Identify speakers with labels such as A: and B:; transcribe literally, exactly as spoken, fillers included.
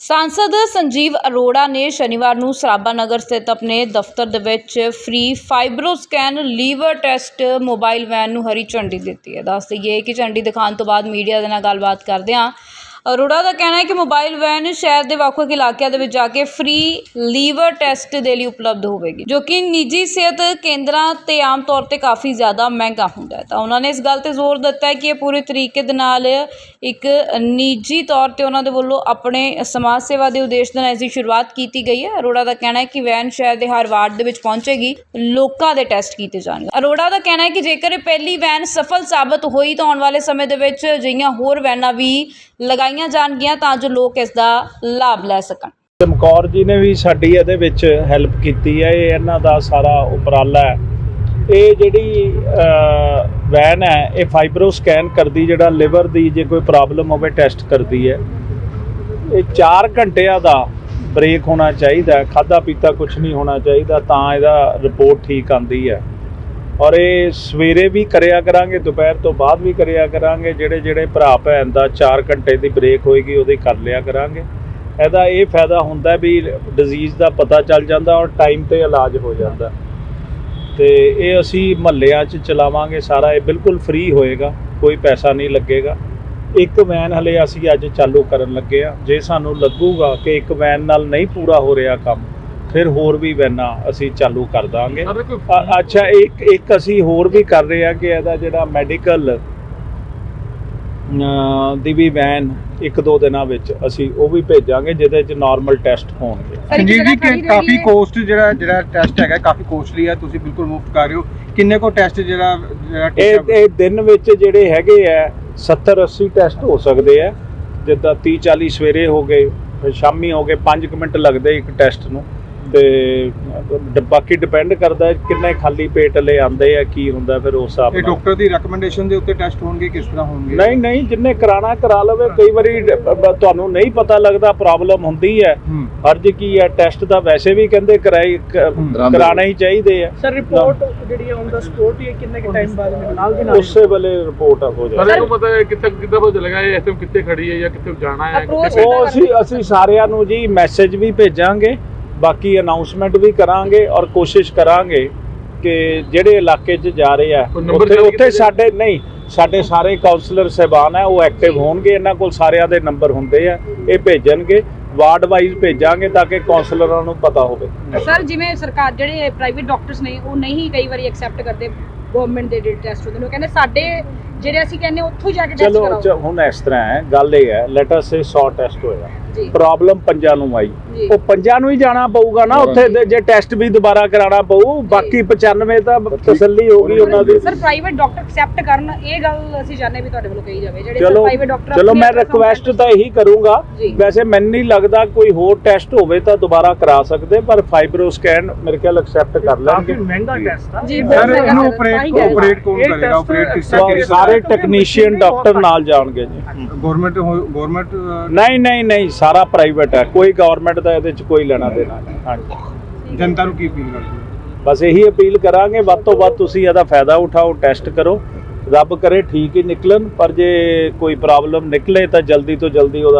A: सांसद संजीव अरोड़ा ने शनिवार ਨੂੰ ਸਰਾਭਾ नगर स्थित अपने दफ्तर ਦੇ ਵਿੱਚ free fibroscan liver test mobile van ਨੂੰ हरी झंडी ਦਿੱਤੀ है। ਦੱਸ ਦਈਏ कि झंडी दिखाने तो बाद मीडिया ਦੇ ਨਾਲ ਗੱਲਬਾਤ ਕਰਦਿਆਂ ਅਰੋੜਾ ਦਾ ਕਹਿਣਾ ਹੈ ਕਿ ਮੋਬਾਈਲ ਵੈਨ ਸ਼ਹਿਰ ਦੇ ਵੱਖ-ਵੱਖ ਇਲਾਕਿਆਂ ਦੇ ਵਿੱਚ ਜਾ ਕੇ ਫ੍ਰੀ ਲੀਵਰ ਟੈਸਟ ਦੇ ਲਈ ਉਪਲਬਧ ਹੋਵੇਗੀ, ਜੋ ਕਿ ਨਿੱਜੀ ਸਿਹਤ ਕੇਂਦਰਾਂ ਤੇ ਆਮ ਤੌਰ ਤੇ ਕਾਫੀ ਜ਼ਿਆਦਾ ਮਹਿੰਗਾ ਹੁੰਦਾ ਹੈ। ਤਾਂ ਉਹਨਾਂ ਨੇ ਇਸ ਗੱਲ ਤੇ ਜ਼ੋਰ ਦਿੱਤਾ ਹੈ ਕਿ ਇਹ ਪੂਰੇ ਤਰੀਕੇ ਦੇ ਨਾਲ ਇੱਕ ਨਿੱਜੀ ਤੌਰ ਤੇ ਉਹਨਾਂ ਦੇ ਵੱਲੋਂ ਆਪਣੇ ਸਮਾਜ ਸੇਵਾ ਦੇ ਉਦੇਸ਼ ਦੇ ਨਾਲ ਇਸ ਦੀ ਸ਼ੁਰੂਆਤ ਕੀਤੀ ਗਈ ਹੈ। ਅਰੋੜਾ ਦਾ ਕਹਿਣਾ ਹੈ ਕਿ ਵੈਨ ਸ਼ਹਿਰ ਦੇ ਹਰ ਵਾਰਡ ਦੇ ਵਿੱਚ ਪਹੁੰਚੇਗੀ, ਲੋਕਾਂ ਦੇ ਟੈਸਟ ਕੀਤੇ ਜਾਣਗੇ। ਅਰੋੜਾ ਦਾ ਕਹਿਣਾ ਹੈ ਕਿ ਜੇਕਰ ਇਹ ਪਹਿਲੀ ਵੈਨ ਸਫਲ ਸਾਬਤ ਹੋਈ ਤਾਂ ਆਉਣ ਵਾਲੇ ਸਮੇਂ ਦੇ ਵਿੱਚ ਅਜਿਹੀਆਂ ਹੋਰ ਵੈਨਾਂ ਵੀ ਲਗਾਈਆਂ ਜਾਣਗੀਆਂ ਤਾਂ ਜੋ ਲੋਕ ਇਸ ਦਾ ਲਾਭ ਲੈ ਸਕਣ।
B: ਚਮਕੌਰ ਜੀ ਨੇ ਵੀ ਸਾਡੀ ਇਹਦੇ ਵਿੱਚ ਹੈਲਪ ਕੀਤੀ ਹੈ। ਇਹ ਇਹਨਾਂ ਦਾ ਸਾਰਾ ਉਪਰਾਲਾ ਹੈ। ਇਹ ਜਿਹੜੀ ਵੈਨ ਹੈ ਇਹ ਫਾਈਬਰੋ ਸਕੈਨ ਕਰਦੀ, ਜਿਹੜਾ ਲਿਵਰ ਦੀ ਜੇ ਕੋਈ ਪ੍ਰੋਬਲਮ ਹੋਵੇ ਟੈਸਟ ਕਰਦੀ ਹੈ। ਇਹ ਚਾਰ ਘੰਟਿਆਂ ਦਾ ਬ੍ਰੇਕ ਹੋਣਾ ਚਾਹੀਦਾ, ਖਾਧਾ ਪੀਤਾ ਕੁਝ ਨਹੀਂ ਹੋਣਾ ਚਾਹੀਦਾ, ਤਾਂ ਇਹਦਾ ਰਿਪੋਰਟ ਠੀਕ ਆਉਂਦੀ ਹੈ। ਔਰ ਇਹ ਸਵੇਰੇ ਵੀ ਕਰਿਆ ਕਰਾਂਗੇ, ਦੁਪਹਿਰ ਤੋਂ ਬਾਅਦ ਵੀ ਕਰਿਆ ਕਰਾਂਗੇ। ਜਿਹੜੇ ਜਿਹੜੇ ਭਰਾ ਭੈਣ ਦਾ ਚਾਰ ਘੰਟੇ ਦੀ ਬ੍ਰੇਕ ਹੋਏਗੀ ਉਹਦੀ ਕਰ ਲਿਆ ਕਰਾਂਗੇ। ਇਹਦਾ ਇਹ ਫਾਇਦਾ ਹੁੰਦਾ ਵੀ ਡਿਜ਼ੀਜ਼ ਦਾ ਪਤਾ ਚੱਲ ਜਾਂਦਾ ਔਰ ਟਾਈਮ 'ਤੇ ਇਲਾਜ ਹੋ ਜਾਂਦਾ। ਅਤੇ ਇਹ ਅਸੀਂ ਮੁਹੱਲਿਆਂ 'ਚ ਚਲਾਵਾਂਗੇ ਸਾਰਾ। ਇਹ ਬਿਲਕੁਲ ਫ੍ਰੀ ਹੋਏਗਾ, ਕੋਈ ਪੈਸਾ ਨਹੀਂ ਲੱਗੇਗਾ। ਇੱਕ ਵੈਨ ਹਲੇ ਅਸੀਂ ਅੱਜ ਚਾਲੂ ਕਰਨ ਲੱਗੇ ਹਾਂ। ਜੇ ਸਾਨੂੰ ਲੱਗੂਗਾ ਕਿ ਇੱਕ ਵੈਨ ਨਾਲ ਨਹੀਂ ਪੂਰਾ ਹੋ ਰਿਹਾ ਕੰਮ, ਫਿਰ ਹੋਰ ਵੀ ਵੈਨਾਂ ਅਸੀਂ ਚਾਲੂ ਕਰ ਦਾਂਗੇ। ਅੱਛਾ, ਇੱਕ ਇੱਕ ਅਸੀਂ ਹੋਰ ਵੀ ਕਰ ਰਹੇ ਹਾਂ ਕਿ ਇਹਦਾ ਜਿਹੜਾ ਮੈਡੀਕਲ ਦੀ ਵੀ ਵੈਨ ਇੱਕ ਦੋ ਦਿਨਾਂ ਵਿੱਚ ਅਸੀਂ ਉਹ ਵੀ ਭੇਜਾਂਗੇ, ਜਿਹਦੇ 'ਚ ਨਾਰਮਲ ਟੈਸਟ ਹੋਣਗੇ।
C: ਸੰਜੀਵ ਜੀ, ਕਾਫੀ ਕੋਸਟ ਜਿਹੜਾ ਜਿਹੜਾ ਟੈਸਟ ਹੈਗਾ ਕਾਫੀ ਕੋਸਟਲੀ ਹੈ, ਤੁਸੀਂ ਬਿਲਕੁਲ ਮੁਫਤ ਕਰ ਰਹੇ ਹੋ। ਕਿੰਨੇ ਕੋ ਟੈਸਟ ਜਿਹੜਾ
B: ਇਹ ਇਹ ਦਿਨ ਵਿੱਚ ਜਿਹੜੇ ਹੈਗੇ ਆ ਸੱਤਰ ਅੱਸੀ ਟੈਸਟ ਹੋ ਸਕਦੇ ਆ। ਜਿੱਦਾਂ ਤੀਹ ਚਾਲੀ ਸਵੇਰੇ ਹੋ ਗਏ, ਫਿਰ ਸ਼ਾਮੀ ਹੋ ਗਏ, ਪੰਜ ਕੁ ਮਿੰਟ ਲੱਗਦੇ ਇੱਕ ਟੈਸਟ ਨੂੰ। ਤੇ ਬਾਕੀ ਡਿਪੈਂਡ ਕਰਦਾ ਕਿੰਨੇ ਖਾਲੀ ਪੇਟ ਲੈ ਆਉਂਦੇ ਆ, ਕੀ ਹੁੰਦਾ ਫਿਰ ਉਸ ਹਿਸਾਬ ਨਾਲ।
C: ਡਾਕਟਰ ਦੀ ਰეკਮੈਂਡੇਸ਼ਨ ਦੇ ਉੱਤੇ ਟੈਸਟ ਹੋਣਗੇ, ਕਿਸ ਤਰ੍ਹਾਂ ਹੋਣਗੇ?
B: ਨਹੀਂ ਨਹੀਂ, ਜਿੰਨੇ ਕਰਾਣਾ ਕਰਾ ਲਵੇ। ਕਈ ਵਾਰੀ ਤੁਹਾਨੂੰ ਨਹੀਂ ਪਤਾ ਲੱਗਦਾ, ਪ੍ਰੋਬਲਮ ਹੁੰਦੀ ਹੈ। ਫਰਜ਼ ਕੀ ਹੈ, ਟੈਸਟ ਦਾ ਵੈਸੇ ਵੀ ਕਹਿੰਦੇ ਕਰਾਈ ਕਰਾਣਾ ਹੀ ਚਾਹੀਦੇ ਆ।
D: ਸਰ ਰਿਪੋਰਟ ਜਿਹੜੀ ਔਨ ਦਾ ਸਪੋਟ ਹੀ ਕਿੰਨੇ ਕਿ ਟਾਈਮ ਬਾਅਦ ਨਾਲ ਦੀ ਨਾਲ
B: ਉਸੇ ਵੇਲੇ ਰਿਪੋਰਟ ਹੋ ਜਾਏ।
E: ਸਰ को पता है कितना कितना पता चलेगा ये एसएम कितने खड़ी है या कितने जाना है?
B: ਉਹ ਅਸੀਂ ਅਸੀਂ ਸਾਰਿਆਂ ਨੂੰ ਜੀ ਮੈਸੇਜ ਵੀ ਭੇਜਾਂਗੇ, ਬਾਕੀ ਅਨਾਉਂਸਮੈਂਟ ਵੀ ਕਰਾਂਗੇ ਔਰ ਕੋਸ਼ਿਸ਼ ਕਰਾਂਗੇ ਕਿ ਜਿਹੜੇ ਇਲਾਕੇ 'ਚ ਜਾ ਰਹੇ ਆ ਉੱਥੇ ਉੱਥੇ ਸਾਡੇ ਨਹੀਂ ਸਾਡੇ ਸਾਰੇ ਕਾਉਂਸਲਰ ਸਾਹਿਬਾਨ ਹੈ ਉਹ ਐਕਟਿਵ ਹੋਣਗੇ। ਇਹਨਾਂ ਕੋਲ ਸਾਰਿਆਂ ਦੇ ਨੰਬਰ ਹੁੰਦੇ ਆ, ਇਹ ਭੇਜਣਗੇ। ਵਾਰਡ ਵਾਈਜ਼ ਭੇਜਾਂਗੇ ਤਾਂ ਕਿ ਕਾਉਂਸਲਰਾਂ ਨੂੰ ਪਤਾ ਹੋਵੇ।
F: ਸਰ, ਜਿਵੇਂ ਸਰਕਾਰ ਜਿਹੜੇ ਪ੍ਰਾਈਵੇਟ ਡਾਕਟਰਸ ਨੇ ਉਹ ਨਹੀਂ ਕਈ ਵਾਰੀ ਐਕਸੈਪਟ ਕਰਦੇ ਗਵਰਨਮੈਂਟ ਦੇ ਜਿਹੜੇ ਟੈਸਟ ਹੁੰਦੇ ਨੇ, ਉਹ ਕਹਿੰਦੇ ਸਾਡੇ ਜਿਹੜੇ ਅਸੀਂ ਕਹਿੰਦੇ ਉੱਥੋਂ ਜਾ ਕੇ ਟੈਸਟ ਕਰਾਓ।
B: ਚਲੋ ਹੁਣ ਇਸ ਤਰ੍ਹਾਂ ਹੈ, ਗੱਲ ਇਹ ਹੈ, ਲੈਟ ਅਸ ਸੇ ਸੌ ਟੈਸਟ ਹੋਇਆ, ਪ੍ਰੋਬਲਮ ਪੰਜਾਂ ਨੂੰ ਆਈ, ਉਹ ਪੰਜਾਂ ਨੂੰ ਹੀ ਜਾਣਾ ਪਊਗਾ ਨਾ ਉੱਥੇ, ਜੇ ਟੈਸਟ ਵੀ ਦੁਬਾਰਾ ਕਰਾਉਣਾ ਪਊ। ਬਾਕੀ ਪਚਾਨਵੇਂ ਤਾਂ ਤਸੱਲੀ ਹੋ ਗਈ ਉਹਨਾਂ ਦੀ।
F: ਸਰ ਪ੍ਰਾਈਵੇਟ ਡਾਕਟਰ ਐਕਸੈਪਟ ਕਰਨ, ਇਹ ਗੱਲ ਅਸੀਂ ਜਾਣਦੇ ਵੀ ਤੁਹਾਡੇ ਵੱਲੋਂ ਕਹੀ ਜਾਵੇ ਜਿਹੜੇ
B: ਪ੍ਰਾਈਵੇਟ ਡਾਕਟਰ। ਚਲੋ ਮੈਂ ਰਿਕੁਐਸਟ ਤਾਂ ਇਹੀ ਕਰੂੰਗਾ। ਵੈਸੇ ਮੈਨੂੰ ਨਹੀਂ ਲੱਗਦਾ ਕੋਈ ਹੋਰ ਟੈਸਟ ਹੋਵੇ ਤਾਂ ਦੁਬਾਰਾ ਕਰਾ ਸਕਦੇ, ਪਰ ਫਾਈਬਰੋ ਸਕੈਨ ਮੇਰੇ ਖਿਆਲ ਐਕਸੈਪਟ ਕਰ ਲੈਣਗੇ।
D: ਮਹਿੰਗਾ ਟੈਸਟ ਆ
F: ਜੀ।
C: ਸਰ ਇਹਨੂੰ ਆਪਰੇਟ ਆਪਰੇਟ ਕੌਣ ਕਰੇਗਾ? ਆਪਰੇਟ ਕਿਸ ਤਰ੍ਹਾਂ?
B: ਸਾਰੇ ਟੈਕਨੀਸ਼ੀਅਨ ਡਾਕਟਰ ਨਾਲ ਜਾਣਗੇ ਜੀ।
C: ਗਵਰਨਮੈਂਟ ਗਵਰਨਮੈਂਟ
B: ਨਹੀਂ ਨਹੀਂ ਨਹੀਂ, ਸਾਰਾ ਪ੍ਰਾਈਵੇਟ ਹੈ, ਕੋਈ ਗਵਰਨਮੈਂਟ ਦਾ ਇਹਦੇ 'ਚ ਕੋਈ ਲੈਣਾ ਦੇਣਾ ਨਹੀਂ। ਹਾਂਜੀ,
C: ਜਨਤਾ ਨੂੰ ਕੀ ਅਪੀਲ ਕਰਦੇ ਹੋ?
B: ਬਸ ਇਹੀ ਅਪੀਲ ਕਰਾਂਗੇ, ਵੱਧ ਤੋਂ ਵੱਧ ਤੁਸੀਂ ਇਹਦਾ ਫਾਇਦਾ ਉਠਾਓ, ਟੈਸਟ ਕਰੋ। ਰੱਬ ਕਰੇ ਠੀਕ ਹੀ ਨਿਕਲਣ, ਪਰ ਜੇ ਕੋਈ ਪ੍ਰੋਬਲਮ ਨਿਕਲੇ ਤਾਂ ਜਲਦੀ ਤੋਂ ਜਲਦੀ ਉਹਦਾ